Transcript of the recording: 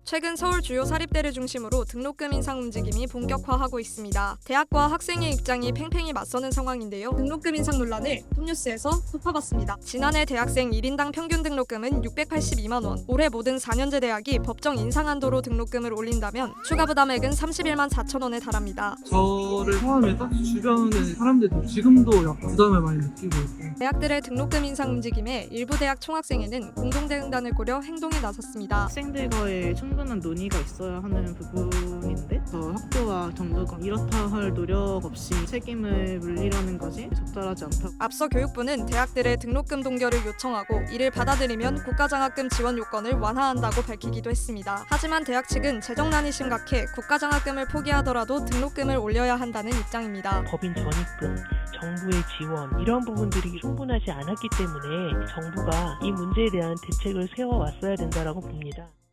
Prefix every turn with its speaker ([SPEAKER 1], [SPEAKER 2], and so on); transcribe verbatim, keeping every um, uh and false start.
[SPEAKER 1] 최근 서울 주요 사립대를 중심으로 등록금 인상 움직임이 본격화하고 있습니다. 대학과 학생의 입장이 팽팽히 맞서는 상황인데요. 등록금 인상 논란을 톱뉴스에서 짚어봤습니다. 지난해 대학생 일 인당 평균 등록금은 육백팔십이만 원. 올해 모든 사 년제 대학이 법정 인상 한도로 등록금을 올린다면 추가 부담액은 삼십일만 사천 원에 달합니다.
[SPEAKER 2] 저를 포함해서 주변의 사람들도 지금도 약간 부담을 많이 느끼고 있고,
[SPEAKER 1] 대학들의 등록금 인상 움직임에 일부 대학 총학생회는 공동대응단을 꾸려 행동에 나섰습니다.
[SPEAKER 3] 학생들과의 충분한 논의가 있어야 하는 부분인데 저 학교와 정부가 이렇다 할 노력 없이 책임을 물리려는 것이 적절하지 않다고.
[SPEAKER 1] 앞서 교육부는 대학들의 등록금 동결을 요청하고 이를 받아들이면 국가장학금 지원 요건을 완화한다고 밝히기도 했습니다. 하지만 대학 측은 재정난이 심각해 국가장학금을 포기하더라도 등록금을 올려야 한다는 입장입니다.
[SPEAKER 4] 법인 전입금, 정부의 지원 이런 부분들이 충분하지 않았기 때문에 정부가 이 문제에 대한 대책을 세워왔어야 된다고 봅니다.